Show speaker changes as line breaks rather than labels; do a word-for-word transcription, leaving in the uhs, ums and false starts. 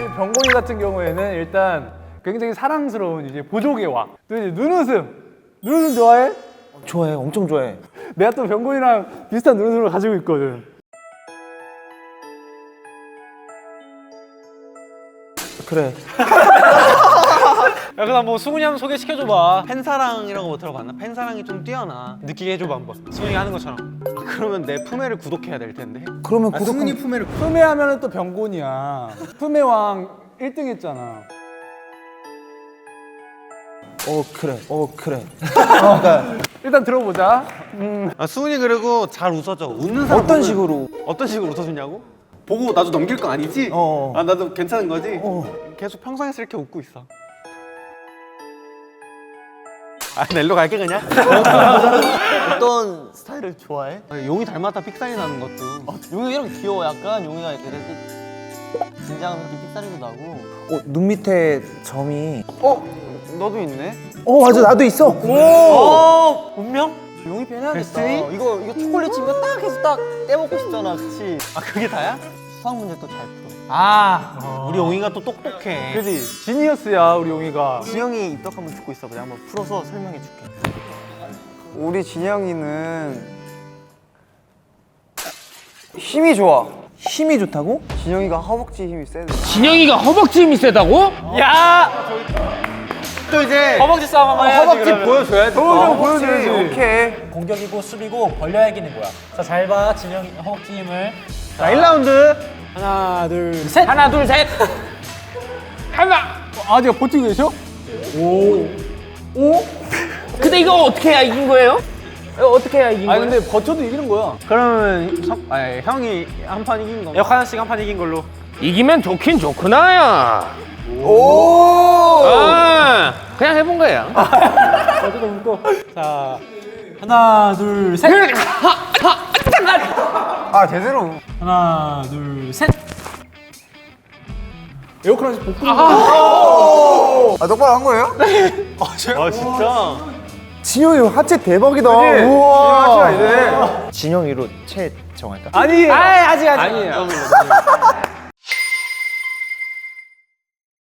병곤이 같은 경우에는 일단 굉장히 사랑스러운 이제 보조개 와. 또 이제 눈웃음. 눈웃음 좋아해?
좋아해, 엄청 좋아해.
내가 또 병곤이랑 비슷한 눈웃음을 가지고 있거든.
그래.
야 그럼 뭐 수근이 한번 소개시켜줘봐. 팬사랑이라고 뭐 들어봤나? 팬사랑이 좀 뛰어나. 느끼게 해줘봐 한번. 수근이가 하는 것처럼. 아, 그러면 내 품에를 구독해야 될 텐데.
그러면 구독한
품에를 품에 하면은 또 병곤이야. 품의 왕 일 등 했잖아.
어 그래, 어 그래.
일단 들어보자.
아 수근이 그리고 잘 웃어줘. 웃는 사람
어떤
보면-
식으로?
어떤 식으로 웃어주냐고? 보고 나도 넘길 거 아니지?
어.
아 나도 괜찮은 거지?
어.
계속 평상에서 이렇게 웃고 있어. 아 넬로 갈게 그냥.
어떤 스타일을 좋아해?
아, 용이 닮았다 픽살이 나는 것도.
용이랑 귀여워. 약간 용이가 이렇게 긴장한 느낌 픽사리도 나고.
어, 눈 밑에 점이.
어? 너도 있네?
어 맞아, 나도 있어.
어? 운명?
용이 편해야겠다.
데스티니?
이거 이거 초콜릿 칩 이거 딱 해서 딱 떼먹고 싶잖아, 그치?
아 그게 다야?
수학 문제 또 잘 풀어.
아 우리 용이가 또 똑똑해.
그지? 지니어스야 우리 용이가.
진영이 입덕 한번 듣고 있어. 내가 한번 풀어서 설명해 줄게.
우리 진영이는 힘이 좋아.
힘이 좋다고?
진영이가 허벅지 힘이 세대.
진영이가 허벅지 힘이 세다고?
야! 또 이제
허벅지 싸움 한번 해야지.
허벅지 보여줘야지.
보여줘 보여줘야지.
오케이.
공격이고 수비고 벌려야 이기는 거야. 자, 잘 봐. 진영 허벅지 힘을.
자 일 라운드.
하나 둘.
셋. 하나, 둘, 셋.
하나. 아 제가 버티고 계셔?
근데 이거 어떻게 해야 이긴 거예요? 이거 어떻게 해야 이긴
아니
거예요?
근데 버텨도 이기는 거야.
그러면 석, 아니, 형이 한 판 이긴 거. 역 하나씩 한 판 이긴 걸로.
이기면 좋긴 좋구나, 야. 오! 아, 그냥 해본 거야.
어쩌다 웃고. 자
하나, 둘, 셋.
아 제대로.
하나, 둘, 셋.
에어컨 하나씩 복구.
아 똑바로 한 거예요?
아 진짜?
진영이 하체 대박이다.
그치?
우와.
하체가 이래.
진영이로 채 정할까?
아니.
아, 아직 아직.
아니에요.